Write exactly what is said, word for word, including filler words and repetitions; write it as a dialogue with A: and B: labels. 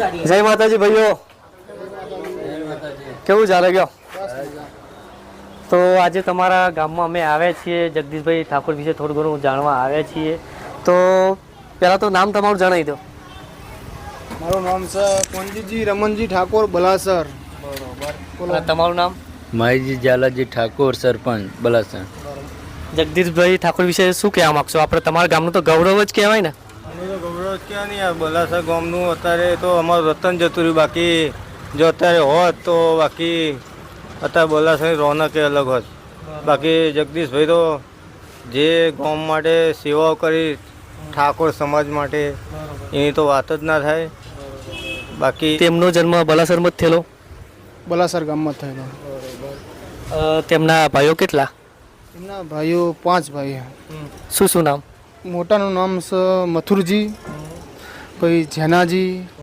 A: જય માતાજી ભાઈઓ, કેવું ચાલે ગયો? તો આજે તમારા ગામમાં અમે આવ્યા છીએ, જગદીશભાઈ ઠાકોર વિશે થોડું ઘણું જાણવા આવ્યા છીએ. તો પહેલાં તો નામ તમારું જણાવી દો.
B: મારું નામ છે કોંજીજી રમનજી ઠાકોર બલાસર.
A: બરોબર. તમારું નામ?
C: માહીજી ઝાલાજી ઠાકોર, સરપંચ બલાસર.
A: જગદીશભાઈ ઠાકોર વિશે શું કહેવા માગશો? આપણે તમારા ગામનું તો ગૌરવ જ કહેવાય ને.
B: તો ગૌરવ ક્યાં નહીં, આ બલાસર ગામનું અત્યારે તો અમારું રતન જતું રહ્યું. બાકી જો અત્યારે હોત તો બાકી અત્યારે બલાસરની રોનક અલગ હોત. બાકી જગદીશભાઈ તો જે ગામ માટે સેવાઓ કરી ઠાકોર સમાજ માટે, એની તો વાત જ ના થાય. બાકી
A: તેમનો જન્મ બલાસરમાં જ થયેલો?
B: બલાસર ગામમાં થયેલો.
A: અ, તેમના ભાઈઓ કેટલા?
B: એમના ભાઈઓ પાંચ ભાઈ.
A: શું શું નામ?
B: મોટાનું નામ છે મથુરજી, પછી જેનાજી,